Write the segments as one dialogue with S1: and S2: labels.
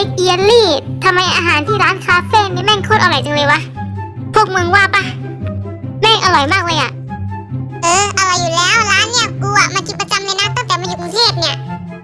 S1: กเอียรี่ทำไมอาหารที่ร้านคาเฟ่นี่แม่งโคตรอร่อยจังเลยวะพวกมึงว่าปะแม่งอร่อยมากเลยอะ
S2: อร่อยอยู่แล้วร้านเนี่ยกูมากินประจำเลยนะตั้งแต่มาอยู่กรุงเทพเนี่ย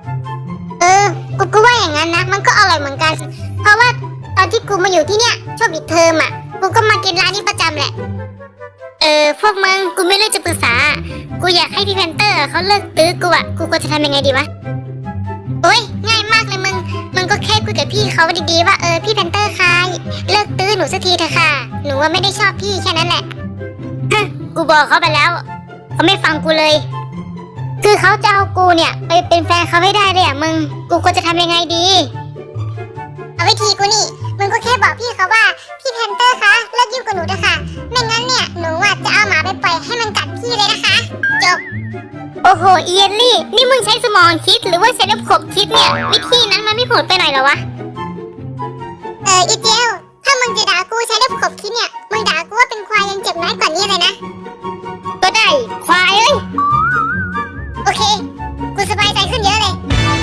S1: กูว่าอย่างนั้นนะมันก็อร่อยเหมือนกันเพราะว่าตอนที่กูมาอยู่ที่เนี่ยช่วงปิดเทอมกูก็มากินร้านนี้ประจำแหละพวกมึงกูไม่เลือกจะปรึกษากูอยากให้พี่แพนเตอร์เขาเลิกตื้อกูกูควรจะทำยังไงดีวะโอ้ยง่ายมากเลยมึงก็แค่คุยกับพี่เขาดีๆว่าพี่แพนเตอร์คะเลิกตื้อหนูสักทีเถอะค่ะหนูว่าไม่ได้ชอบพี่แค่นั้นแหละกูบอกเขาไปแล้วเขาไม่ฟังกูเลยคือเขาจะเอากูเนี่ยไปเป็นแฟนเขาให้ได้เลยมึงกูควรจะทำยังไงดี
S2: เอาวิธีกูนี่มึงก็แค่บอกพี่เขาว่าพี่แพนเตอร์คะเลิกยุ่งกับหนูเถอะค่ะไม่งั้นเนี่ยหนูจะเอาหมาไปปล่อยให้มันกัดพี่เลยนะคะจบ
S1: โอ้โหเอียนลี่นี่มึงใช้สมองคิดหรือว่าใช้ระบบคิดเนี่ยวิธีนั้นมันไม่โหดไปหน่อยเหรอวะ
S2: อีเจลถ้ามึงจะด่ากูใช้ระบบคิดเนี่ยมึงด่ากูว่าเป็นควายยังเจ็บน้อยกว่านี้เลยนะ
S1: ก็ได้ควายเอ้ย
S2: โอเคกูสบายใจขึ้นเยอะเลย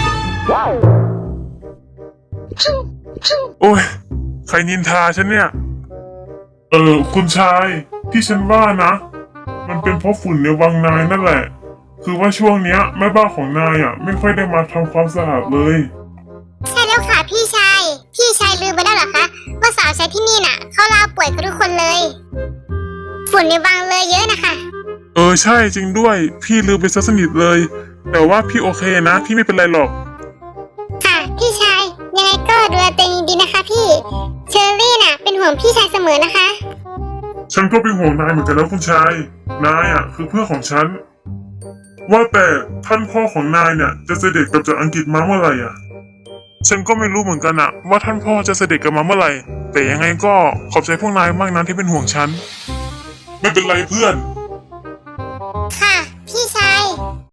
S3: โอ้ยใครนินทาฉันเนี่ยคุณชายที่ฉันว่านะมันเป็นเพราะฝุ่นในวังนายนั่นแหละคือว่าช่วงเนี้ยแม่บ้านของนายไม่ค่อยได้มาทำความสะอาดเลย
S1: ใช่แล้วค่ะพี่ชายลืมไปแล้วเหรอคะว่าสาวใช้ที่นี่น่ะเขาลาป่วยกันทุกคนเลยฝุ่นในวังเลยเยอะนะคะ
S3: ใช่จริงด้วยพี่ลืมไปซะสนิทเลยแต่ว่าพี่โอเคนะพี่ไม่เป็นไรหรอก
S1: ค่ะพี่ชายยังไงก็ดูแลตัวเองดีนะคะพี่เชอรี่น่ะเป็นห่วงพี่ชายเสมอนะคะ
S3: ฉันก็เป็นห่วงนายเหมือนกันแล้วคุณชายนายคือเพื่อนของฉันว่าแต่ท่านพ่อของนายเนี่ยจะเสด็จกลับจากอังกฤษมาเมื่อไหร่ฉันก็ไม่รู้เหมือนกันว่าท่านพ่อจะเสด็จกลับมาเมื่อไหร่แต่ยังไงก็ขอบใจพวกนายมากนะที่เป็นห่วงฉันไม่เป็นไรเพื่อน